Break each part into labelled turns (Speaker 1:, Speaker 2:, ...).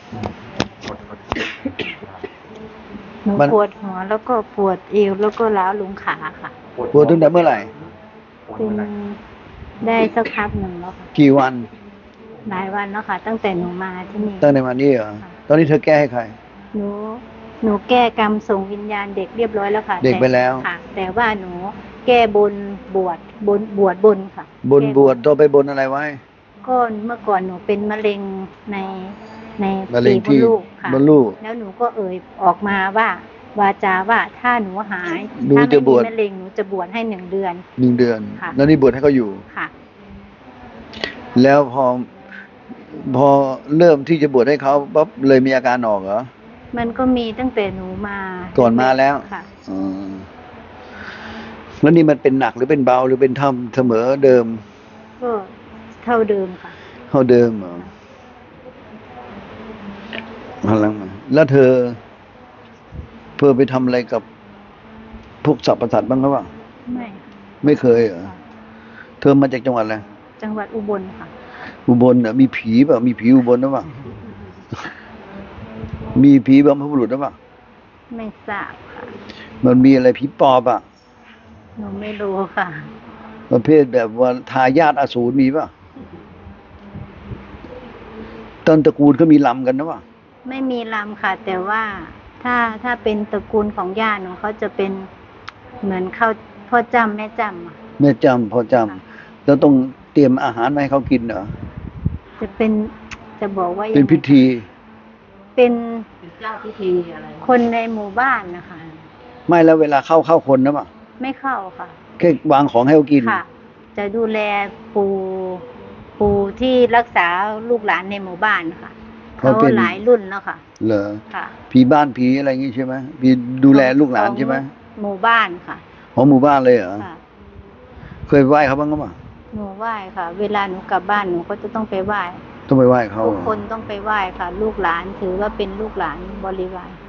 Speaker 1: หนูปวดหัวแล้วก็ปวดเอวแล้วก็ล้าวลงขาค่ะ
Speaker 2: ปวดตั้งแต่เมื่อไหร่
Speaker 1: เป็นได้สักพักหนึ่งแล้วค่ะ
Speaker 2: กี่วัน
Speaker 1: หลายวันแล้วค่ะตั้งแต่หนูมาที่นี่
Speaker 2: ตั้งแต่วันนี้เหรอตอนนี้เธอแก้ให้ใคร
Speaker 1: หนูหนูแก้กรรมส่งวิญญาณเด็กเรียบร้อยแล้วค่ะ
Speaker 2: เด็กไปแล้ว
Speaker 1: ค่ะแต่ว่าหนูแก้บนบวชบนค่ะ
Speaker 2: บวชตัวไปบนอะไรไว้
Speaker 1: ก็เมื่อก่อนหนูเป็นมะเร็งใน
Speaker 2: มะเร็ง
Speaker 1: ปีมดลูกค่ะ
Speaker 2: มดลูก
Speaker 1: แล้วหนูก็ออกมาว่าวาจาว่าถ้าหนูหาย
Speaker 2: หนู
Speaker 1: ถ้า
Speaker 2: จะ
Speaker 1: ไม่
Speaker 2: บวช
Speaker 1: มีมะเร็งหนูจะบวชให้1 เดือนค่ะ
Speaker 2: แล้วนี่บวชให้เขาอยู่
Speaker 1: ค่ะ
Speaker 2: แล้วพอเริ่มที่จะบวชให้เขาปั๊บเลยมีอาการออกเหรอ
Speaker 1: มันก็มีตั้งแต่หนูมา
Speaker 2: ก่อนมาแล้ว
Speaker 1: ค่ะ
Speaker 2: แล้วนี่มันเป็นหนักหรือเป็นเบาหรือเป็นธรรมเสมอเดิม
Speaker 1: ก็เท่าเดิมค่ะ
Speaker 2: เท่าเดิมเหรอพลังมาแล้วเธอไปทำอะไรกับพวกสัตว์ประสาทบ้างหรือเปล่าไม่เคยเหรอเธอมาจากจังหวัดอะไร
Speaker 1: จังหวัดอุบลค่ะ
Speaker 2: อุบลน่ะมีผีเปล่ามีผีอุบลหรือเปล่ามีผีบรรพบุรุษหรือเปล่า
Speaker 1: ไม่ทราบค่ะ
Speaker 2: มันมีอะไรผีปอบอ่ะ
Speaker 1: หนูไม่รู้ค่ะ
Speaker 2: ประเภทแบบว่าทายาทอสูรมีป่ะต้นตระกูลก็มีลำกันนะวะ
Speaker 1: ไม่มีลำค่ะแต่ว่าถ้าเป็นตระกูลของย่าหนูเขาจะเป็นเหมือนเขาพ่อจำแม่จำ
Speaker 2: แม่จำพ่อจำแล้วต้องเตรียมอาหารมาให้เขากินเหรอ
Speaker 1: จะเป็นจะบอกว่า
Speaker 2: เป็นพิธี
Speaker 1: เป็นเจ้าพิธีอะไรคนในหมู่บ้านนะคะ
Speaker 2: ไม่แล้วเวลาเข้าคนนะป่ะ
Speaker 1: ไม่เข้าค่ะ
Speaker 2: แค่วางของให้เขากิน
Speaker 1: ค่ะจะดูแลปู่ที่รักษาลูกหลานในหมู่บ้านค่ะเขาหลายรุ่นแล้วค่ะ
Speaker 2: เหรอ
Speaker 1: ค่ะ
Speaker 2: ผีบ้านผีอะไรอย่างงี้ใช่ไหมผีดูแลลูกหลานใช่ไหม
Speaker 1: หมู่บ้านค่ะ
Speaker 2: ของหมู่บ้านเลยเหรอเคยไหว้เขาบ้างมั้ย
Speaker 1: หนูไหว้ค่ะเวลาหนูกลับบ้านหนูก็จะต้องไปไหว้
Speaker 2: เขา
Speaker 1: ทุกคนต้องไปไหว้ค่ะลูกหลานถือว่าเป็นลูกหลานบริวาร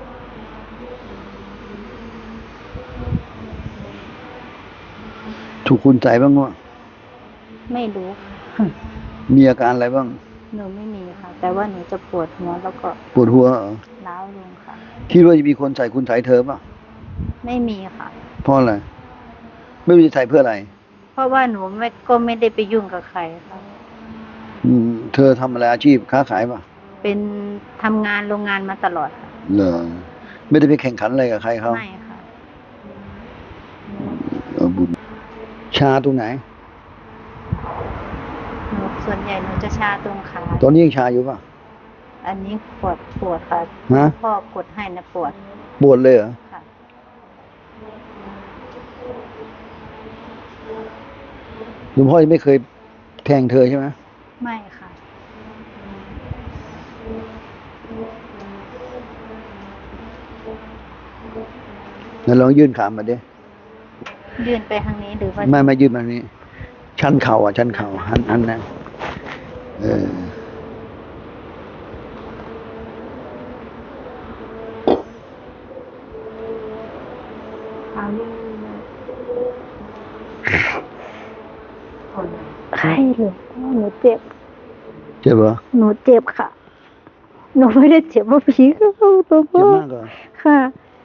Speaker 2: ถูกคุณใจบ้างมั้ย
Speaker 1: ไม่รู้
Speaker 2: มีอาการอะไรบ้าง
Speaker 1: หนูไม่มีค่ะแต่ว่าหนูจะปวดหัวแล้วก็
Speaker 2: ปวดหัวเหรอ
Speaker 1: ล้าวลงค่ะ
Speaker 2: คิดว่าจะมีคนใส่คุณใส่เธอป่ะ
Speaker 1: ไม่มีค่ะ
Speaker 2: เพราะอะไรไม่มีใส่เพื่ออะไร
Speaker 1: เพราะว่าหนูก็ไม่ได้ไปยุ่งกับใครค่ะ
Speaker 2: เธอทำอะไรอาชีพค้าขายป่ะ
Speaker 1: เป็นทำงานโรงงานมาตลอดค่ะ
Speaker 2: เหรอไม่ได้ไปแข่งขันอะไรกับใครเขา
Speaker 1: ไม่ค่ะ
Speaker 2: บุญชาตรงไหน
Speaker 1: ส่วนใหญ่หนูจะชาตรงขา
Speaker 2: ตอนนี้ยังชาอยู่ป่ะ
Speaker 1: อันนี้ปวดค่ะพ่อกดให้นะปวด
Speaker 2: เลยเหรอค่ะหลวงพ่อยังไม่เคยแทงเธอใช่ไหม
Speaker 1: ไม่ค่ะ
Speaker 2: งั้นลองยื่นขามาดิ
Speaker 1: ยื่นไปทางนี้หรือว่า
Speaker 2: ไม่ยื่นมานี้ชั้นเข่าชั้นเข่าหันนะ
Speaker 1: ใช่หรือหนูเจ็บ
Speaker 2: เหรอ
Speaker 1: หนูเจ็บค่ะหนูไม่ได้เจ็บว่าผีเข้าตัวพ่อ
Speaker 2: เจ็บมากเหรอ
Speaker 1: ค่ะ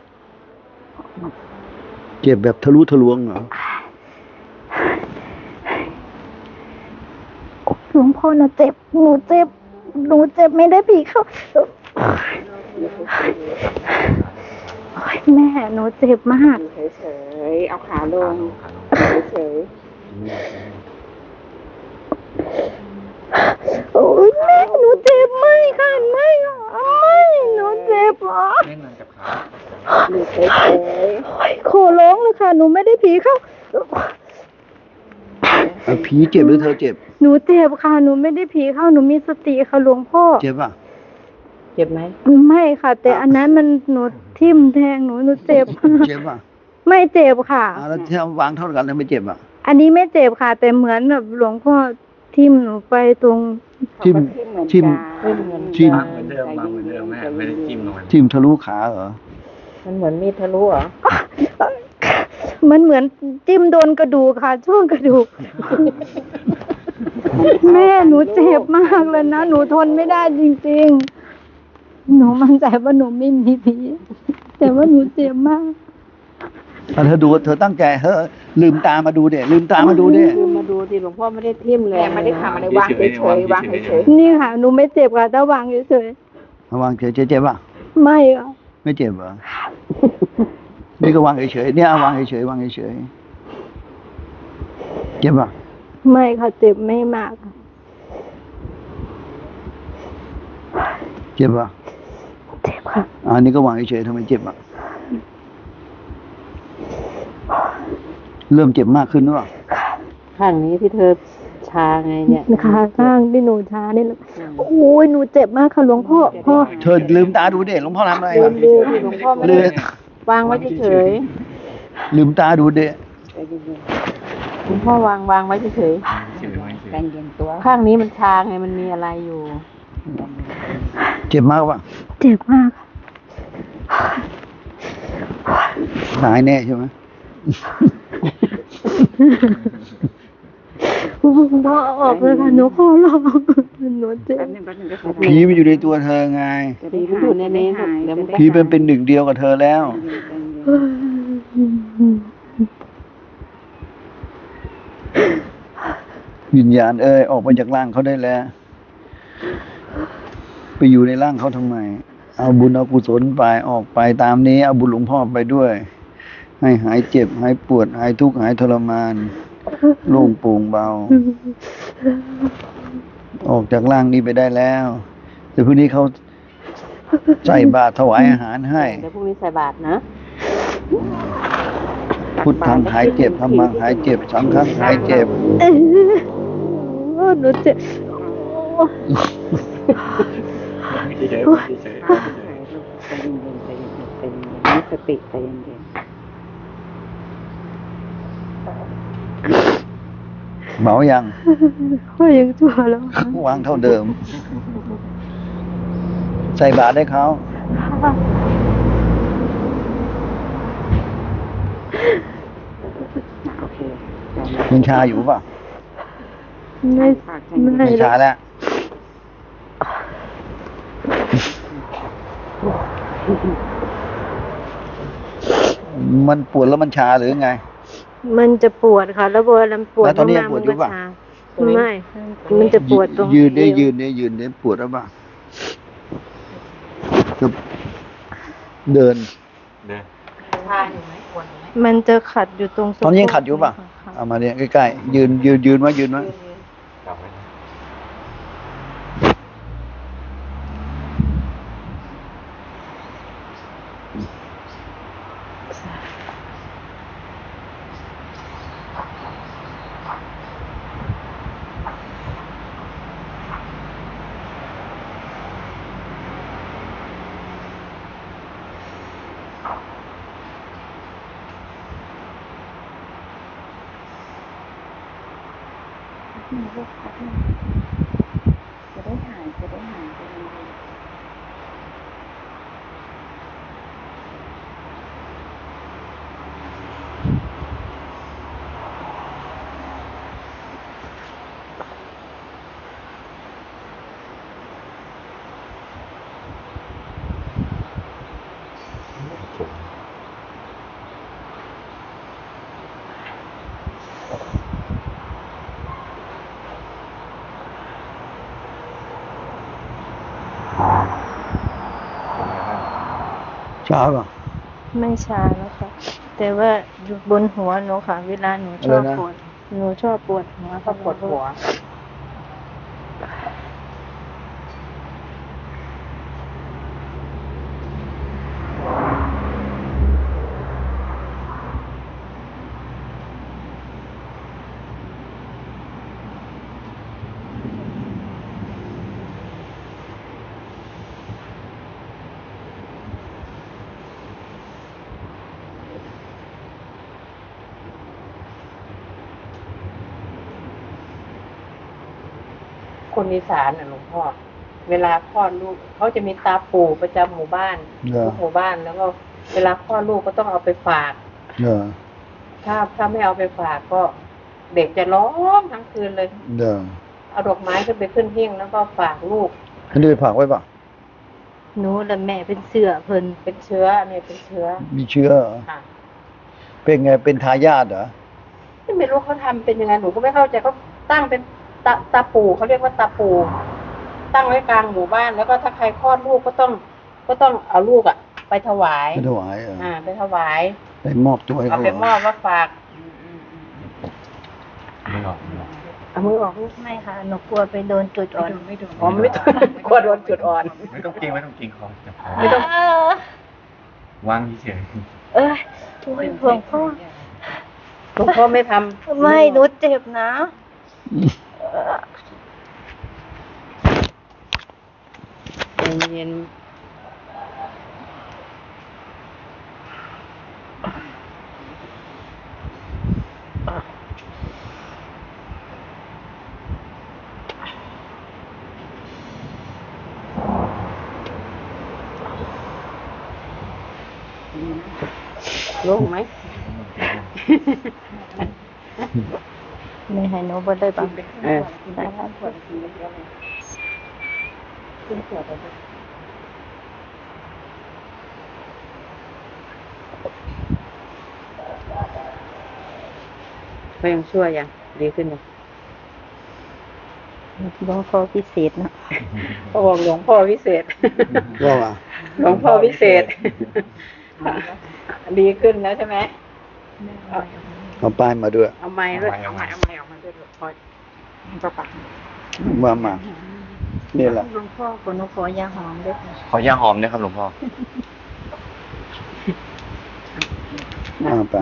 Speaker 2: เจ็บแบบทะลุทะลวงเหรอ
Speaker 1: หลวงพ่อหนูเจ็บไม่ได้ผีเข้าแม่หนูเจ็บมาก
Speaker 3: เฉยๆเอาขาลงเฉย
Speaker 1: โอ้ยแม่หนูเจ็บไม่ค่ะไม่หนูเจ็บเหรอ
Speaker 3: แม่นอนกับขาเฉย
Speaker 1: ๆขอร้องเลยค่ะหนูไม่ได้ผีเข้า
Speaker 2: ผีเจ็บหรือเธอเจ็บ
Speaker 1: หนูเจ็บค่ะหนูไม่ได้ผีเข้าหนูมีสติค่ะหลวงพ่อ
Speaker 2: เจ็บป่ะ
Speaker 3: เจ็บไหม
Speaker 1: ไม่ค่ะแต่อันนั้นมันหนูทิ่มแทงหนูเจ็บ
Speaker 2: ป่ะ
Speaker 1: ไม่เจ็บค่ะ
Speaker 2: แล้วที่วางเท่ากันแล้วไม่เจ็บอ่ะ
Speaker 1: อันนี้ไม่เจ็บค่ะแต่เหมือนแบบหลวงพ่อทิ่มหนูไปตรง
Speaker 2: ทิ่ม
Speaker 3: เหมือนเดิมแม่ไม่ได้
Speaker 2: ทิ่มทะลุขาเหรอ
Speaker 3: มันเหมือนมีดทะลุเหรอ
Speaker 1: มันเหมือนจิ้มโดนกระดูกค่ะช่วงกระดูกแม่หนูเจ็บมากเลยนะหนูทนไม่ได้จริงหนูมั่นใจว่าหนูไม่มีผีแต่ว่าหนูเจ็บมาก
Speaker 2: เธอดูเธอตั้งใจเฮ้อลืมตามาดูเด็ลืมตามาดูเด็
Speaker 4: คือมาดูดิหลวงพ่อไม่ได้ทิ่มเลยไม่ได้ทำอะไรวางเฉยๆวางเฉย
Speaker 1: นี่ค่ะหนูไม่เจ็บค่ะถ้าวางเฉย
Speaker 2: วางเฉยเจ็บป่ะ
Speaker 1: ๆไม่ค่ะ
Speaker 2: ไม่เจ็บเหรอ นี่ก็วางเฉยๆเนี่ยเอาวางเฉยๆวางเฉยๆเจ็บป่ะ
Speaker 1: ไม่ค่ะเจ็บไม่มากค่ะ
Speaker 2: เจ็บป่ะ
Speaker 1: เจ็บค่ะ
Speaker 2: อันนี้ก็วางเฉยๆทำไมเจ็บอ่ะ เริ่มเจ็บมากขึ้นหรือเปล่า
Speaker 4: ๆข้างนี้ที่เธอชาไงเนี่ย
Speaker 1: ขาข้างที่หนูชานี่แหละโอ้ยหนูเจ็บมากค่ะหลวงพ่อพ่อ
Speaker 2: เธอลืมตาดูเด็หลวงพ่อทำอะไร
Speaker 4: ลื
Speaker 2: อ่ะ
Speaker 4: มดูที่หลวงพ่อไม่
Speaker 2: ลื
Speaker 4: ได้
Speaker 2: ม
Speaker 4: วางไว้เฉย
Speaker 2: ลืมตาดูเด็
Speaker 4: ๆหลวงพ่อวางไว้เฉยๆ
Speaker 3: ใจเย็นตัว
Speaker 4: ข้างนี้มันชาไงมันมีอะไรอยู่
Speaker 2: เจ็บมากป่ะ
Speaker 1: เจ็บมาก
Speaker 2: หายแน่ใช่ไหม
Speaker 1: พ่อเอาออกเลยค่ะหนูขอร้องหนูเจ็บ
Speaker 2: ผีมันอยู่ในตัวเธอไง
Speaker 4: ผีมันอยู่ในนี้เดี๋ยวมันก็
Speaker 2: ผีเป็นหนึ่งเดียวกับเธอแล้ว วิญญาณออกมาจากร่างเขาได้แล้ว ไปอยู่ในร่างเขาทำไม เอาบุญเอากุศลไปออกไปตามนี้เอาบุญหลวงพ่อไปด้วย ให้หายเจ็บหายปวดหายทุกข์หายทรมานโล่งโปร่งเบา ออกจากร่างนี้ไปได้แล้วแต่พรุ่งนี้เขาใส่บาตรถวายอาหารให้
Speaker 4: เดี๋ยวพรุ่งนี้ใส่บาตรนะ
Speaker 2: พุทธังหายเจ็บธัมมังหายเจ็บสังฆังหายเจ็บ
Speaker 1: หนูเจ็บ
Speaker 3: เฉยๆเฉย
Speaker 4: มีสติใจเย็น
Speaker 2: เบายัง
Speaker 1: พ่อยังชั่วแล้ว
Speaker 2: วางเท่าเดิม ใส่บาตรให้เขา
Speaker 4: โอเค
Speaker 2: ยังชาอยู่ป่ะ
Speaker 1: ไม่ไม่
Speaker 2: ไม่ชาแล้ว มันปวดแล้วมันชาหรือไง
Speaker 1: มันจะปวดค่ะ แล้วเวลาปวด
Speaker 2: แล้วตอนนี้ยัง
Speaker 1: มากๆ
Speaker 2: ปวดอยู่ปะ
Speaker 1: ชาไม่ มันจะปวดตรง
Speaker 2: ยืนได้
Speaker 1: เอว
Speaker 2: ยืนได้ยืนได้ปวดแล้วป่ะจะเดิน
Speaker 3: ๆเนี่ย
Speaker 1: มันจะขัดอยู่ตรงสะโพก
Speaker 2: ตอนนี้ยังขัดอยู่ป่ะ
Speaker 1: ค่ะ
Speaker 2: เอามาเนี่ยใกล้ๆยืนไว้ยืนไว้
Speaker 3: กลับไว้
Speaker 2: ชาป่ะ
Speaker 1: ไม่ชาแล้วค่ะ แต่ว่าอยู่บนหัวหนูค่ะ เวลาหนูชอบ
Speaker 2: อะไรนะ
Speaker 1: ปวด หนูชอบปวดหัว
Speaker 4: ก็ปวดหัว คนอีสานน่ะหลวงพ่อ เวลาคลอดลูกเขาจะมีตาปู่ประจำหมู่บ้าน
Speaker 2: เหรอ
Speaker 4: ทุกหมู่บ้านแล้วก็เวลาคลอดลูกก็ต้องเอาไปฝาก
Speaker 2: เออ
Speaker 4: ถ้าไม่เอาไปฝากก็เด็กจะร้องทั้งคืนเลย
Speaker 2: เดี๋ยว
Speaker 4: เอาดอกไม้ขึ้นไปขึ้นหิ้งแล้วก็ฝากลูก
Speaker 2: อันนี้ไปฝากไว้ป่ะ
Speaker 1: หนูและแม่เป็นเสือเพิ่น
Speaker 4: เป็นเชื้อเนี่ยเป็นเชื้อ
Speaker 2: มีเชื้อเหรอ
Speaker 4: ค่ะ
Speaker 2: เป็นไงเป็นทายาทเหรอ
Speaker 4: ไม่รู้เขาทำเป็นยังไงหนูก็ไม่เข้าใจเขาตั้งเป็นตาปูเขาเรียกว่าตาปูตั้งไว้กลางหมู่บ้าน แล้วก็ถ้าใครคลอดลูกก็ต้องเอาลูกอ่ะ ไปถวาย
Speaker 2: ไม่ถวายเหรอ
Speaker 4: ไปถวาย
Speaker 2: ไปมอบตัวให้
Speaker 4: เอา
Speaker 2: เขา
Speaker 4: ไปมอบว่าฝาก
Speaker 3: ไม่ออกไม่ออก
Speaker 4: เอามือออกลูก
Speaker 1: ไม่ค่ะหนูกลัวไปโดนจุดอ่อน
Speaker 4: อ๋อไม่ต้องกลัวโดนจุดอ่อน
Speaker 3: ไม่ต้องเกรงไม่ต้องเกรงคอจะพอ
Speaker 4: ไม่ต้อง
Speaker 3: วางเฉย
Speaker 1: เอ้ยโอ้ยหลวงพ่อ
Speaker 4: หลวงพ่อไม่ทำ
Speaker 1: ไม่หนูเจ็บนะ
Speaker 4: ใจเย็นโล่งไหม
Speaker 1: ไม่ให้หนูบ่ได้บัง
Speaker 4: เออ
Speaker 1: ได้ครับ
Speaker 4: เขายังชั่วยังดีขึ้นยัง
Speaker 1: หลวงพ่อพิเศษเนอะ
Speaker 4: เขาบอกหลวงพ่อวิเศษ
Speaker 2: ว่าว่า
Speaker 4: หลวงพ่อวิเศษ ดีขึ้นแล้วใช่ไหม เอา
Speaker 2: เอาป้ายมาด้วย
Speaker 4: เอาไม้ด้วยเอาไม้ออกมาด้วยพอประปัก
Speaker 2: ว่ามานี่แหละ
Speaker 1: หลวงพ่อขอหนูขอยาหอมด้วยค่ะ
Speaker 3: ขอยาหอมด้วยครับหลวงพ่อ
Speaker 2: มาไป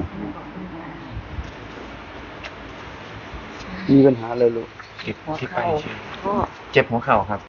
Speaker 2: มีปัญหาเลยลูก
Speaker 3: ที่ไปเจ็บหัวเข่าครับ